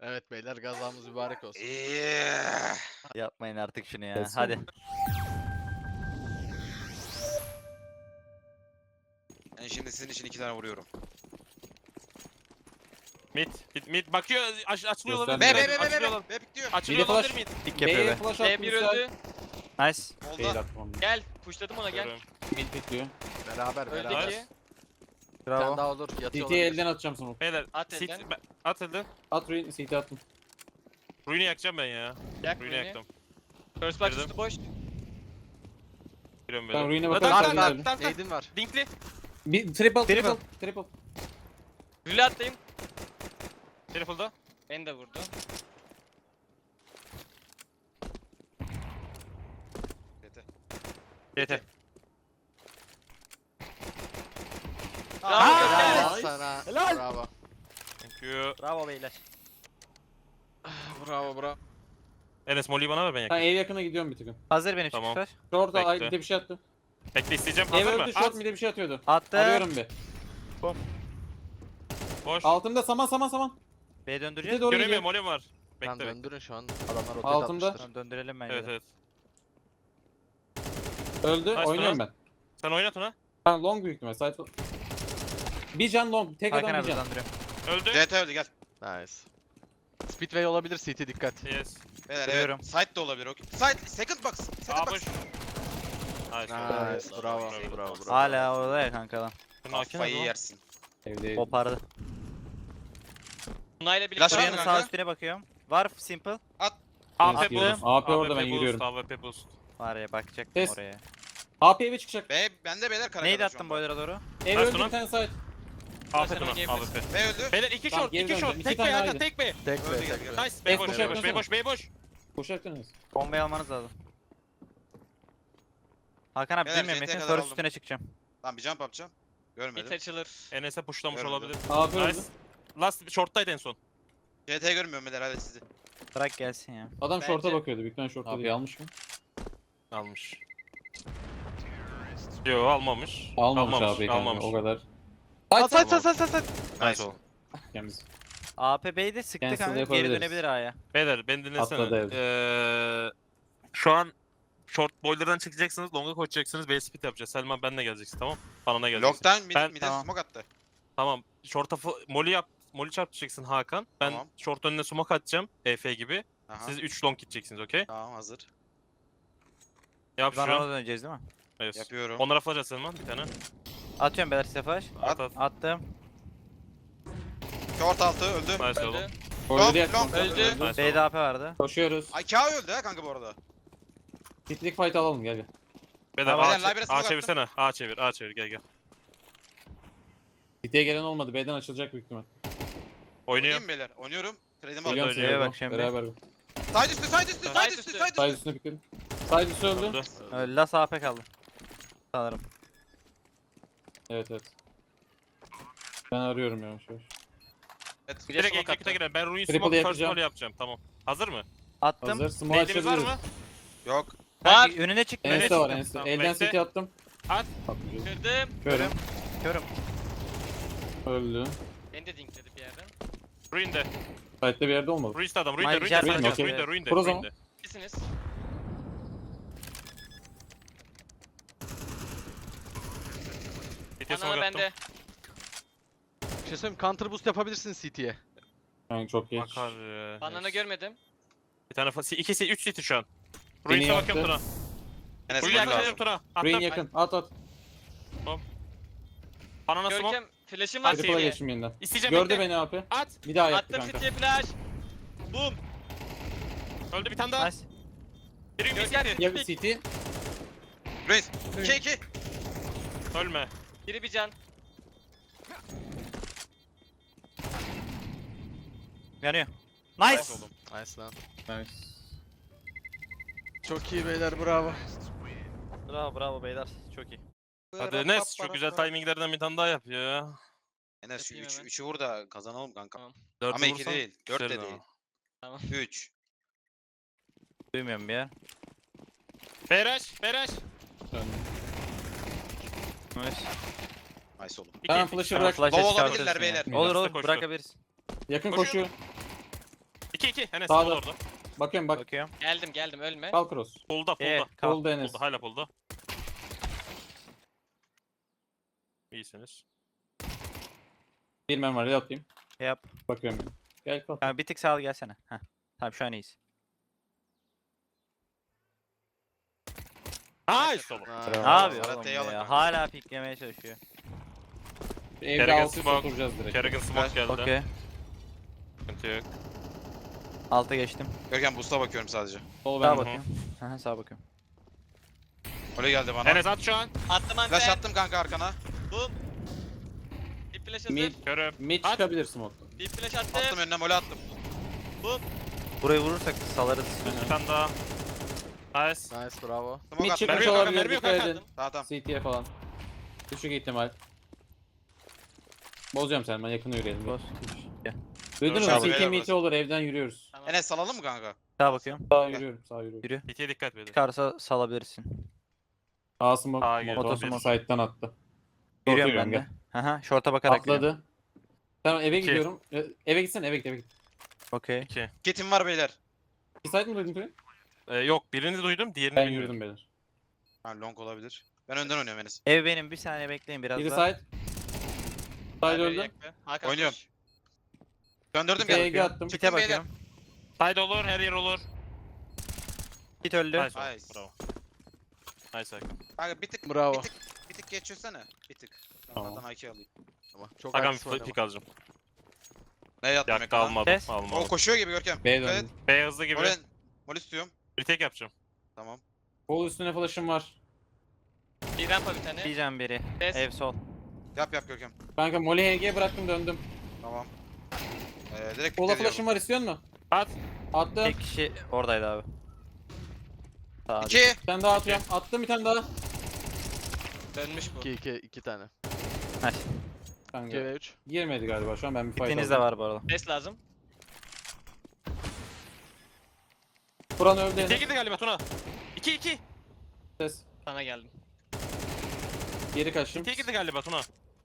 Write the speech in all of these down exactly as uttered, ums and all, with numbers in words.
Evet beyler gazamız mübarek olsun. Yeah. Yapmayın artık şunu ya. Kesin. Hadi. Ben şimdi sizin için iki tane vuruyorum. Mid, mid, mid bakıyor, aç, açılıyor Göster. olabilir. Be be be be Açılıyor be olabilir. be bitiyor. Açılıyor Midi olabilir flash. mid. Dik yapıyor B'ye be. flash B attım. bir Güzel. öldü. Nice. Fail Oldu. attım onu. Gel. Pushladım ona gel. Görüyorum. Mid bekliyor. Beraber Öldü beraber. iki. Bir tane Bravo. daha olur. Yatıyor C T'ye olabilir. elden atacağım smoke. Beyler, At sit, elden. ben- at elden. At ruin, C T attım. Ruin'i yakacağım ben ya. Yak Ruin'i beni. yaktım. First box Girdim. üstü boş. Giriyorum böyle. Ben ruin'e Lan, bakarım, tank, sen tank, gidelim. tank, tank. Neydin var? Dinkli. Bir triple, triple, Triple. triple. Rüle atlayayım. Telefonda. Beni de vurdu. Yeter. Yeter. Bravo, Helal Gökhan. sana. Helal. Bravo. Thank you. Bravo beyler. Bravo bravo. Enes Molly'yi bana ver ben Ben yakayım. ev yakına gidiyorum bir tıkım. Hazır benim Tamam. çıkış. Short Bekle. ay bir de bir şey attı. Bekle isteyeceğim. Ev Hazır mı? öldü, short At. bir de bir şey atıyordu. Attı. Arıyorum bir. Boş. Altımda saman saman saman. B Bir de döndüreceğiz. doğru Göremiyorum, gidiyor. Molly'm var. Lan Bekle bekle. döndürün şu an. Adamlar rotate Altımda. atmıştır. Tamam, döndürelim bence. Evet de. evet. Öldü, Nice, oynuyorum nice. ben. Sen oynat ona. Ben long büyük ihtimal. Side bir can long, tek Hakan adam abi bir can. döndürüyorum. Öldü. C T öldü gel. Nice. Speedway olabilir C T dikkat. Yes. Beyler Görüyorum. evet. Side de olabilir. Okay. Side second box. Second Aa box. boş. Nice. Nice. Bravo. Bravo. Bravo. Hala orada ya kanka lan. Şunu hakim Kafayı ol. yersin. Evde. Kopardı. Tunay'la Flash birlikte var Şuranın mı sağ kanka? üstüne bakıyorum. Var simple. A P Attım. boost. A P orada, ben boost, yürüyorum. A W P boost. Var ya bakacaktım Kes. oraya. H P eve çıkacak. B bende beyler kara Neydi kadar şu attın anda. boiler'a doğru? Ev Nice öldü lan. bir tane side. A P Sen buna. oynayabilirsin. A W P. B öldü. Beyler iki Tamam, short, geri iki döndüm. short. İki Tek tane B Hakan, ayrı. tek B. Tek Öldü, be gel, tek gel. be. Nice. B Evet, boş, koşu B boş, yapsana. B boş, B boş. Koşacaksınız. Bombayı almanız lazım. Hakan abi Beyler, bilmiyorum C T'ye yakın. kadar First aldım. üstüne çıkacağım. Tamam bir jump yapacağım. Mid Görmedim. açılır. Enes'e pushlamış Görmedim. olabilir. A P öldü. Nice. Last short'taydı en son. C T görmüyorum beyler hadi sizi. Bırak gelsin ya. Adam Bence- short'a bakıyordu. Büyük ihtimal short'a Abi. değil. Almış mı? Almış. Yo almamış. Almamış, abi kanka. Almamış. O kadar. Sat sat sat sat sat sat. Nice oldu. Temiz. A P B'yi de sıktı Cancel kanka. Geri yapabiliriz. dönebilir A'ya. Beyler beni dinlesene. Atladı evde. Ee, şu an short boiler'dan çıkacaksınız, long'a koşacaksınız, B split yapacağız. Selman benle geleceksin tamam? Bana geleceksin. Lockdown mid, Ben- mid'e tamam. smoke attı. Tamam. Short'a fo- molly yap. Molly çarptacaksın Hakan. Ben Tamam. short önüne smoke atacağım. E F gibi. Aha. Siz üç long gideceksiniz okey? Tamam hazır. Yap Biz şu ona an. döneceğiz değil mi? Evet. Yapıyorum. Onlara flash at Selman bir tane. Atıyorum beyler size flash. At at. Attım. Short altı öldü. Nice oğlum. Öldü. Öldü Long, diye. long. Öldü. Nice B'de oğlum. A P vardı. Koşuyoruz. Ay K öldü ha kanka bu arada. Kitlik fight alalım gel gel. Beyler Tamam. A, Beyler, library'e A smoke çevirsene. A çevir, A çevir gel gel. Kitliye gelen olmadı. B'den açılacak büyük ihtimal. Oynuyor. Oynayayım beyler. Oynuyorum. Kredim Geliyorum. aldım. Geliyorum C'ye size. bak Bak şimdi. Beraber. Side üstü side üstü Side side üstü üstü. side üstü. Side üstüne pikledim. Side üstü öldü. Öldü. Öyle Las A P kaldı. Sanırım. Evet evet. Ben arıyorum yavaş yavaş. Evet. Bir de Direkt smoke execute'a attı. girelim. Ben ruin Triple smoke first yapacağım. molly yapacağım. Tamam. Hazır mı? Attım. Hazır. Smoke Nade'imiz var açabiliriz. mı? Yok. Var. Ben önüne çıktı. önüne Enes'te var çıktım. Enes'te. Tamam, Elden bekle. city attım. At. Atmayacağız. Kırdım. Körüm. Körüm. Öldü. Beni de dinkledi bir yerden. Ruin'de. Side'de bir yerde olmadı. Ruin'de adam. Ruin'de. Hayır, Ruin'de. Jet Ruin'de. var. Ruin'de. Ruin'de. Kur o zaman. Ruin'de. İkisiniz. C T'ye smoke Anana attım. bende. Bir şey söyleyeyim counter boost yapabilirsin C T'ye. Yani çok geç. Bakar ya. Banana görmedim. Bir tane fa- ikisi üç city şu an. Beni Ruin'e bakıyorum yaktı. Tuna. Enes Ruin'e vurdu bakıyorum lazım. Tuna. Rain Attım. yakın. At at. Anana smoke. Görkem flash'ım var Hadi Triple'a City'ye. geçtim yeniden. İsteyeceğim. Gördü bekle. beni A P. At. Bir daha yaptı Attım kanka. City'ye flash. Boom. Öldü bir tane daha. Nice. Biri bir Görkem city. Ya City. City. Reis. iki iki. Ölme. Biri bir can. Yanıyor. Nice. Nice oğlum. Nice lan. Nice. Çok iyi beyler bravo. Bravo bravo beyler. Çok iyi. Hadi Enes şu güzel timinglerden bir tane daha yap ya. Enes şu Yapayım üç, hemen. üçü vur da kazanalım kanka. Tamam. Dört Ama iki vurursan değil. Dört de güzel değil. ama. Tamam. Üç. Duymuyorum bir ya. Beraş. Beraş. Döndüm. Nice. Nice oğlum. İki, Tamam iki. flash'ı Tamam, bırak. flash'e Low çıkartırsın olabilirler ya. beyler. Olur Midas'ta olur koştu. bırakabiliriz. Yakın Koşuyor. koşuyor. iki iki. Enes Sağda. sol orada. Bakıyorum bak. Bakıyorum. Geldim geldim ölme. Kal cross. Pull'da Ee, pull'da. kal. Oldu Enes. Pull'da hala pull'da. İyisiniz. Bir men var. Yapayım. Yap. Bakıyorum. Gel kal. Tamam bir tık sağ gelsene. Heh. Tamam şu an iyiyiz. Nice oğlum. Ha, Ne Bravo. yapıyor Serhat oğlum T'yi alın ya? kanka. Hala piklemeye çalışıyor. Evde Kerrigan altı üst smoke. oturacağız direkt. Kerrigan smoke geldi. Okey. Sıkıntı yok. Alta geçtim. Görkem boost'a bakıyorum sadece. Sol Sağa ben. bakıyorum. Aha sağa bakıyorum. Öyle geldi bana. Enes at şu an. Attım Flash anten. attım kanka arkana. Boom. Bir flash hazır. Mid. Körüm. Mid At. çıkabilir smoke. Bir flash attım. Attım önüne mole attım. Burayı vurursak salarız. Bir tane daha. Nice. Nice bravo. Smoke Mid attım. çıkmış Mermi yok kanka, olabilir. mermi yok Dikkat kanka. edin. Tamam tamam. C T'ye falan. Düşük ihtimal. Bozacağım sen ben yakına yürüyelim. Boz. Duydunuz Dur, mu? sağ C T ol. mid olur evden yürüyoruz. Tamam. Enes salalım mı kanka? Sağa bakıyorum. Sağa yürüyorum. Sağa yürüyorum. Yürü. P T'ye dikkat edin. Çıkarsa salabilirsin. Sağ smoke. Sağa gir. Motor Otosmoke. side'dan attı. Yürüyorum yürüyorum, ben de. Aha şorta bakarak yürüyorum. Atladı. Tamam eve İki. gidiyorum. E, Eve gitsen eve git eve git. Okey. iki. Kitim var beyler. Bir side mi duydun Kürün? Ee, yok birini duydum diğerini Ben bilmiyorum. yürüdüm beyler. Ha long olabilir. Ben önden oynuyorum Enes. Ev benim bir saniye bekleyin biraz Biri daha. side. Ver, Side ver, öldü. yaktı. Hakan Oynuyorum. koş. Döndürdüm Bir E geldim. G attım. Kite Çıktım beyler. bakıyorum. Side olur her yer olur. Kit öldü. Nice. oğlum, Nice. Bravo. Nice Hakan. Kanka bir tık Bravo. bir tık bir tık geçirsene. Bir tık. Tamam. Zaten A K alayım. Tamam. Çok Hakan agresif bir oynama. pick alacağım. Ne yattım Yaktı ekrana? almadım. Kes. O Almadım. koşuyor gibi Görkem. B'ye Dikkat döndüm. et. B hızlı gibi. Mole, mole istiyorum. Bir tek yapacağım. Tamam. Kol üstüne flash'ım var. Bir rampa bir tane. Diyeceğim biri. Kes. Ev sol. Yap yap Görkem. Kanka Molly H G bıraktım döndüm. Tamam. Ee, direkt Kola bitti flash'ım var istiyor musun? At. Attım. Tek kişi oradaydı abi. Sağ. İki. Bir tane daha atıyorum. Attım bir tane daha. Dönmüş bu. iki iki iki tane. Nice. iki Kanka ve üç. girmedi galiba şu an ben bir fight Kitiniz de aldım. var bu arada. Ses lazım. Buran öldü İkiye Enes. girdi galiba Tuna. iki iki. Ses. Sana geldim. Geri kaçtım. İkiye girdi galiba Tuna.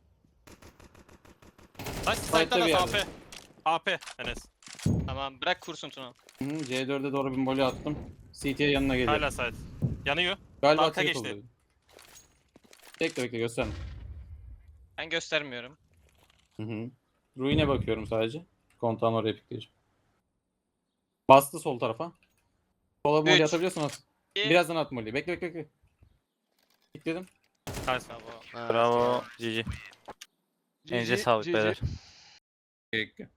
Nice. Side'da Side'da bir da A yerde. P. A P Enes. Tamam bırak kursun Tuna. Hı, C dörde doğru bir molly attım. C T'ye yanına geliyor. Hala side. Yanıyor. Galiba arka tek geçti. oluyor. Bekle bekle gösterme. Ben göstermiyorum. Hı hı. Ruin'e bakıyorum sadece. Kontağın oraya pikleyeceğim. Bastı sol tarafa. Sola molly Üç. atabiliyorsun at. İki. Birazdan at molly. Bekle bekle bekle. Pikledim. Nice. Bravo. Ha, Bravo. G G. G G, Elinize sağlık G G. beyler. Peki.